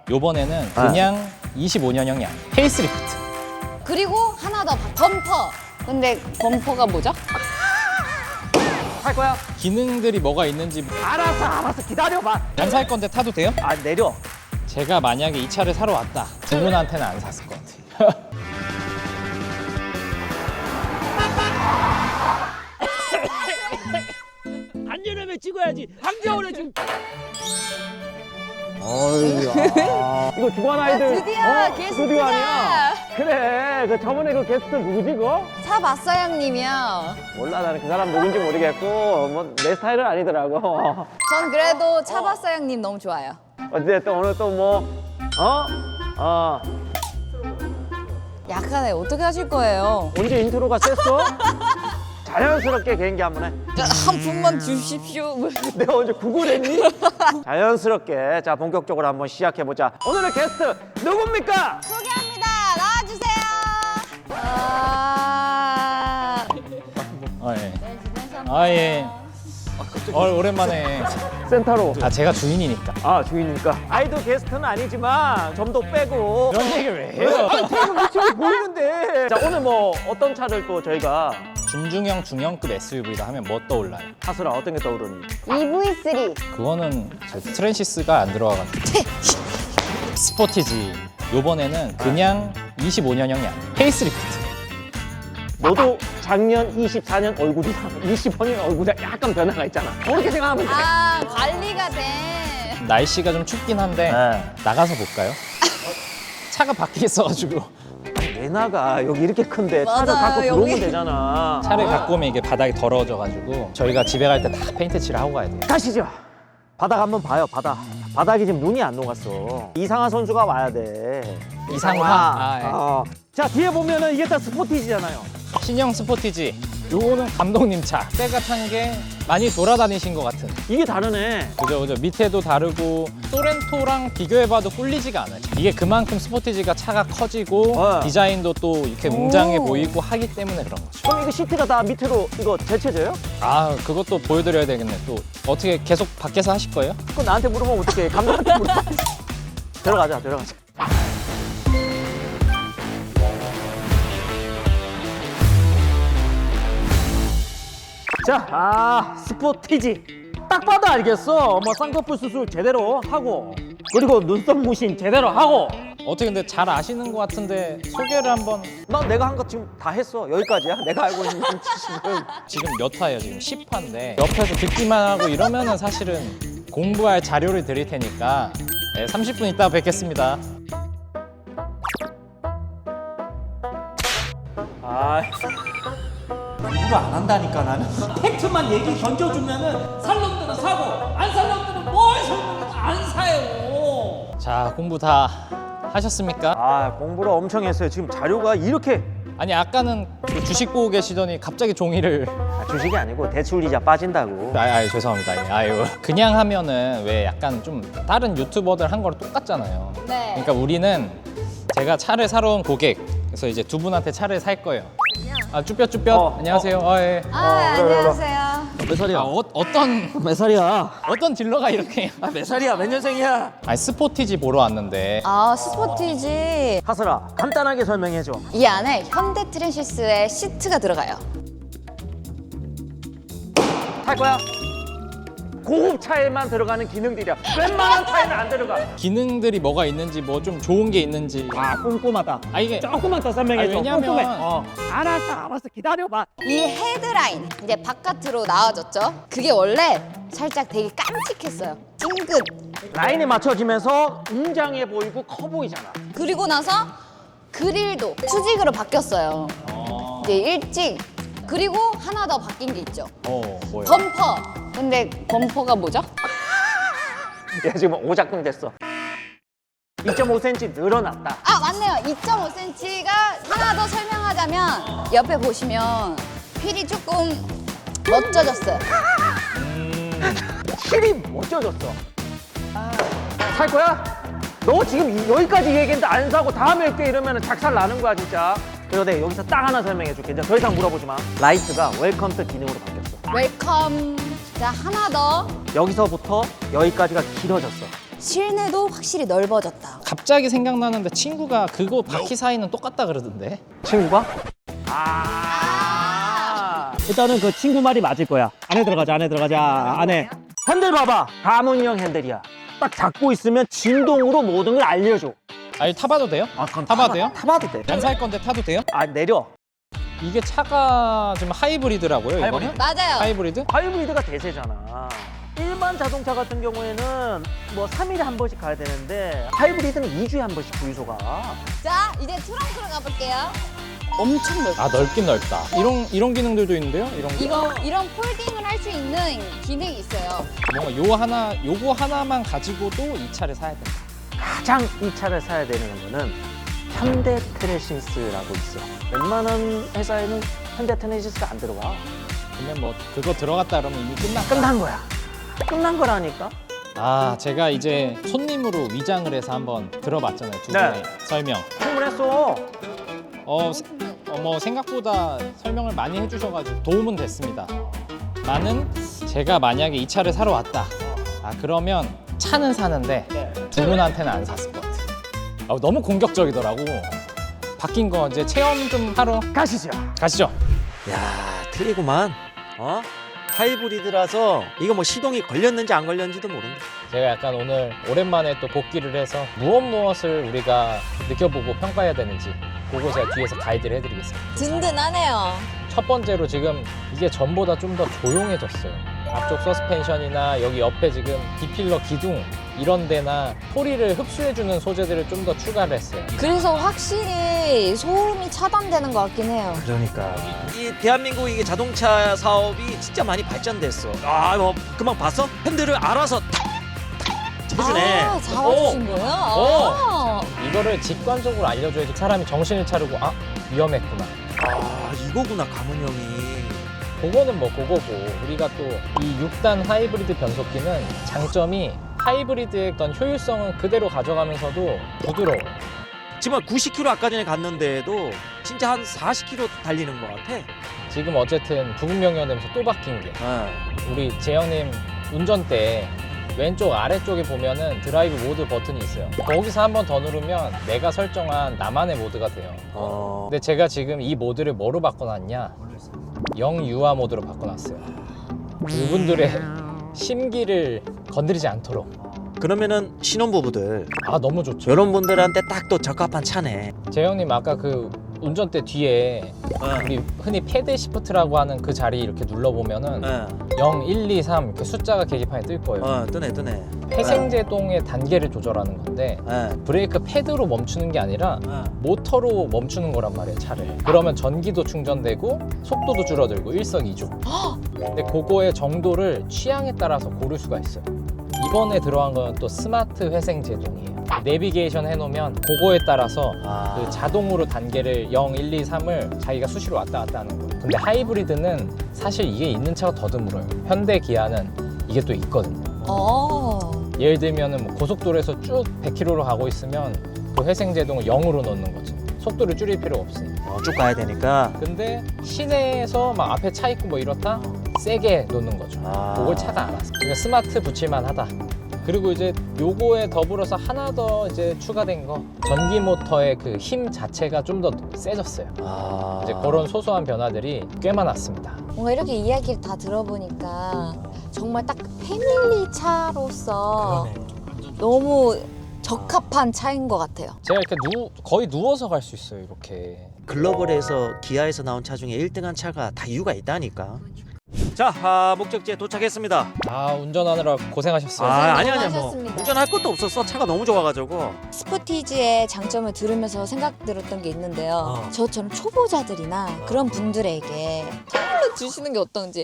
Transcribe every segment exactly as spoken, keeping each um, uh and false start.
요번에는 그냥 이십오 년형이 아니에요. 페이스리프트. 그리고 하나 더 범퍼. 근데 범퍼가 뭐죠? 탈 거야? 기능들이 뭐가 있는지 알았어, 알았어. 기다려봐. 안 살 건데 타도 돼요? 아, 내려. 제가 만약에 이 차를 사러 왔다. 두 분한테는 안 샀을 것 같아요. 안전하면 찍어야지. 한겨울에 지금. 이거 주관 아이들. 드디어 게스트다. 스튜디오 아니야? 그래. 그 저번에 그 게스트 누구지, 그거? 차봤어 형님이요. 몰라, 나는 그 사람 누군지 모르겠고 뭐 내 스타일은 아니더라고. 전 그래도 차봤어 형님 너무 좋아요. 어쨌든 오늘 또 뭐 어? 어. 약간에 어떻게 하실 거예요? 언제 인트로가 셌어? 자연스럽게 개인기 한번 해. 한 분만 주십시오. 내가 언제 구글했니? 자연스럽게 자 본격적으로 한번 시작해 보자. 오늘의 게스트 누굽니까? 소개합니다. 나와주세요. 아... 아, 예. 아, 예. 어, 오랜만에. 센터로. 아, 제가 주인이니까. 아 주인이니까. 아이돌 게스트는 아니지만 점도 빼고. 그런 얘기를 왜 해요? 아니 테이블 위치가 보이는데. 자 오늘 뭐 어떤 차를 또 저희가 준중형 중형급 에스유브이다 하면 뭐 떠올라요? 하수라 어떤 게 떠오르니? 이브이 쓰리. 그거는 저 트랜시스가 안 들어가가지고. 스포티지. 요번에는 그냥 이십오 년형이 아니에요. 페이스리프트. 너도 작년 이십사 년 얼굴이랑 이십오 년 얼굴에 약간 변화가 있잖아. 그렇게 생각하면 돼. 아 관리가 돼. 날씨가 좀 춥긴 한데 네. 나가서 볼까요? 차가 밖에 있어가지고 왜 나가? 여기 이렇게 큰데 차를 맞아요, 갖고 들어오면 여기. 되잖아. 차를 갖고 오면 이게 바닥이 더러워져가지고 저희가 집에 갈 때 다 페인트 칠을 하고 가야 돼요. 가시죠. 바닥 한번 봐요. 바닥. 바닥이 지금 눈이 안 녹았어. 이상하 선수가 와야 돼. 이상화? 아, 예. 어. 자 뒤에 보면은 이게 다 스포티지잖아요. 신형 스포티지. 요거는 감독님 차. 때가 탄 게 많이 돌아다니신 것 같은. 이게 다르네. 그죠, 그죠. 밑에도 다르고 소렌토랑 비교해봐도 꿀리지가 않아요. 이게 그만큼 스포티지가 차가 커지고 어. 디자인도 또 이렇게 웅장해 보이고 하기 때문에 그런 거죠. 그럼 이거 시트가 다 밑으로 이거 제쳐져요? 아, 그것도 보여드려야 되겠네. 또 어떻게 계속 밖에서 하실 거예요? 그거 나한테 물어보면 어떡해. 감독한테 물어봐. 들어가자, 들어가자. 자, 아 스포티지. 딱 봐도 알겠어. 뭐 쌍꺼풀 수술 제대로 하고 그리고 눈썹 무신 제대로 하고. 어떻게 근데 잘 아시는 것 같은데 소개를 한번. 나 내가 한 거 지금 다 했어. 여기까지야. 내가 알고 있는 지식은. 지금 몇 화예요? 지금 십 화인데 옆에서 듣기만 하고 이러면은 사실은 공부할 자료를 드릴 테니까 네, 삼십 분 있다 뵙겠습니다. 아, 공부를 안 한다니까 나는. 팩트만 얘기 던져주면은 살 놈들은 사고 안 살 놈들은 뭘 설명해도 안 사요. 자, 공부 다 하셨습니까? 아 공부를 엄청 했어요. 지금 자료가 이렇게. 아니, 아까는 그 주식 보고 계시더니 갑자기 종이를. 아, 주식이 아니고 대출 이자 빠진다고. 아, 아유, 죄송합니다. 예, 아유. 그냥 하면은 왜 약간 좀 다른 유튜버들 한 거랑 똑같잖아요. 네. 그러니까 우리는 제가 차를 사러 온 고객, 그래서 이제 두 분한테 차를 살 거예요. 아, 쭈뼛쭈뼛. 어, 안녕하세요. 아, 예. 아 그래, 그래, 그래. 안녕하세요. 몇 살이야? 아, 어, 어떤 몇 살이야? 어떤 딜러가 이렇게. 아, 몇 살이야? 몇 년생이야? 아니, 스포티지 보러 왔는데 아 스포티지. 하슬아, 간단하게 설명해줘. 이 안에 현대 트랜시스의 시트가 들어가요. 탈 거야? 고급 차에만 들어가는 기능들이야. 웬만한 차에는 안 들어가. 기능들이 뭐가 있는지 뭐 좀 좋은 게 있는지. 아, 꼼꼼하다. 아, 이게 조금만 더 설명해줘. 아, 왜냐면- 꼼꼼해. 어. 알았어, 알았어. 기다려봐. 이 헤드라인 이제 바깥으로 나와졌죠. 그게 원래 살짝 되게 깜찍했어요. 찡긋. 라인에 맞춰지면서 웅장해 보이고 커 보이잖아. 그리고 나서 그릴도 수직으로 바뀌었어요. 어, 이제 일찍. 그리고 하나 더 바뀐 게 있죠. 어 뭐예요? 범퍼. 근데 범퍼가 뭐죠? 야, 지금 오작동 됐어. 이 점 오 센티미터 늘어났다. 아 맞네요. 이 점 오 센티미터가 하나 더 설명하자면 옆에 보시면 휠이 조금 멋져졌어요. 힐이 멋져졌어. 살 거야? 너 지금 이- 여기까지 얘기했는데 안 사고 다음에 올게 이러면 작살 나는 거야 진짜. 그리고 내가 여기서 딱 하나 설명해 줄게. 이제 더 이상 물어보지 마. 라이트가 웰컴 트 기능으로 바뀌었어. 웰컴. 자 하나 더. 여기서부터 여기까지가 길어졌어. 실내도 확실히 넓어졌다. 갑자기 생각나는데 친구가 그거 바퀴 사이는 똑같다 그러던데. 친구가? 아. 일단은 그 친구 말이 맞을 거야. 안에 들어가자, 안에 들어가자, 안에. 핸들 봐봐. 가문형 핸들이야. 딱 잡고 있으면 진동으로 모든 걸 알려줘. 아니 타봐도 돼요? 아, 그럼 타봐도 돼요? 타봐도 돼. 안 살 건데 타도 돼요? 아, 내려. 이게 차가 지금 하이브리드라고요, 이거는? 맞아요. 하이브리드? 하이브리드가 대세잖아. 일반 자동차 같은 경우에는 뭐 삼 일에 한 번씩 가야 되는데 하이브리드는 이 주에 한 번씩 주유소가. 자, 이제 트렁크로 가볼게요. 엄청 넓어. 아 넓긴 넓다. 이런 이런 기능들도 있는데요? 이런 거? 이거 이런 폴딩을 할 수 있는 기능이 있어요. 뭔가 요 하나 요거 하나만 가지고도 이 차를 사야 된다. 가장 이 차를 사야 되는 거는 현대 트레신스라고 있어. 웬만한 회사에는 현대 트레신스가 안 들어와. 그러면 뭐 그거 들어갔다 그러면 이미 끝났다. 끝난 거야. 끝난 거라니까. 아 제가 이제 손님으로 위장을 해서 한번 들어봤잖아요. 두 네. 분의 설명. 충분했어. 어, 세- 어, 뭐 생각보다 설명을 많이 해주셔가지고 도움은 됐습니다. 나는 제가 만약에 이 차를 사러 왔다. 아 그러면 차는 사는데 두 분한테는 안 샀을 것 같아. 아, 너무 공격적이더라고. 바뀐 거 이제 체험 좀 하러 가시죠. 가시죠. 야, 틀리구만. 어? 하이브리드라서 이거 뭐 시동이 걸렸는지 안 걸렸는지도 모른다. 제가 약간 오늘 오랜만에 또 복귀를 해서 무엇 무엇을 우리가 느껴보고 평가해야 되는지 그거 제가 뒤에서 가이드를 해드리겠습니다. 든든하네요. 첫 번째로 지금 이게 전보다 좀 더 조용해졌어요. 앞쪽 서스펜션이나 여기 옆에 지금 디필러 기둥 이런 데나 소리를 흡수해주는 소재들을 좀 더 추가를 했어요. 그래서 확실히 소음이 차단되는 것 같긴 해요. 그러니까 이 대한민국 이게 자동차 사업이 진짜 많이 발전됐어. 아, 뭐 금방 봤어? 핸들을 알아서 탁탁 해주네. 아, 잡아주신 거예요? 아. 이거를 직관적으로 알려줘야지 사람이 정신을 차리고 아 위험했구나. 아, 이거구나 가문형이. 그거는 뭐 그거고 우리가 또 이 육 단 하이브리드 변속기는 장점이 하이브리드의 어떤 효율성은 그대로 가져가면서도 부드러워. 지금 구십 킬로미터 아까 전에 갔는데도 진짜 한 사십 킬로미터 달리는 것 같아. 지금 어쨌든 부분 변경되면서 또 바뀐 게 어. 우리 재영님 운전대 왼쪽 아래쪽에 보면은 드라이브 모드 버튼이 있어요. 거기서 한 번 더 누르면 내가 설정한 나만의 모드가 돼요. 어. 근데 제가 지금 이 모드를 뭐로 바꿔놨냐? 영유아 모드로 바꿔놨어요. 그분들의 심기를 건드리지 않도록. 그러면은 신혼부부들 아 너무 좋죠. 이런 분들한테 딱 또 적합한 차네. 재영님 아까 그 운전대 뒤에 어. 우리 흔히 패드 시프트라고 하는 그 자리 이렇게 눌러보면은 어. 영, 일, 이, 삼 이렇게 숫자가 계기판에 뜰 거예요. 어, 뜨네 뜨네. 회생제동의 단계를 조절하는 건데 어. 브레이크 패드로 멈추는 게 아니라 어. 모터로 멈추는 거란 말이에요, 차를. 그러면 전기도 충전되고 속도도 줄어들고 일석이조. 근데 그거의 정도를 취향에 따라서 고를 수가 있어요. 이번에 들어간 거는 또 스마트 회생 제동이에요. 내비게이션 해놓으면 그거에 따라서 아. 그 자동으로 단계를 영, 일, 이, 삼을 자기가 수시로 왔다 갔다 하는 거예요. 근데 하이브리드는 사실 이게 있는 차가 더 드물어요. 현대 기아는 이게 또 있거든요. 어. 예를 들면은 뭐 고속도로에서 쭉 백 킬로미터로 가고 있으면 그 회생 제동을 영으로 넣는 거죠. 속도를 줄일 필요가 없으니까. 어, 쭉 가야 되니까. 근데 시내에서 막 앞에 차 있고 뭐 이렇다 세게 놓는 거죠. 아. 그걸 차가 알았어. 그러니까 스마트 붙일만 하다. 그리고 이제 요거에 더불어서 하나 더 이제 추가된 거 전기 모터의 그 힘 자체가 좀 더 세졌어요. 아. 이제 그런 소소한 변화들이 꽤 많았습니다. 뭔가 이렇게 이야기를 다 들어보니까 정말 딱 패밀리 차로서 너무 적합한 차인 것 같아요. 제가 이렇게 누, 거의 누워서 갈 수 있어요, 이렇게. 글로벌에서 기아에서 나온 차 중에 일 등한 차가 다 이유가 있다니까. 자, 아, 목적지에 도착했습니다. 아 운전하느라 고생하셨어요. 아, 아니 아니야 뭐 수고하셨습니다. 운전할 것도 없었어. 차가 너무 좋아가지고. 스포티지의 장점을 들으면서 생각 들었던 게 있는데요. 어. 저처럼 초보자들이나 그런 분들에게 선물로 주시는 게 어떤지.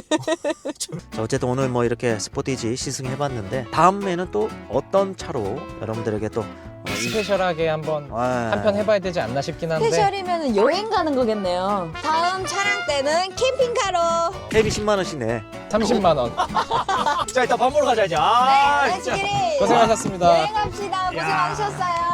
자, 어쨌든 오늘 뭐 이렇게 스포티지 시승해봤는데 다음에는 또 어떤 차로 여러분들에게 또 어, 이- 스페셜하게 한번 아, 한편 해봐야 되지 않나 싶긴 한데 스페셜이면 여행 가는 거겠네요. 다음 차량 때는 캠핑카로. 캡이 십만 원씩 내. 삼십만 원. 자, 일단 밥 먹으러 가자 이제. 아, 네, 렛츠기릿. 고생하셨습니다. 여행 갑시다. 고생 많으셨어요.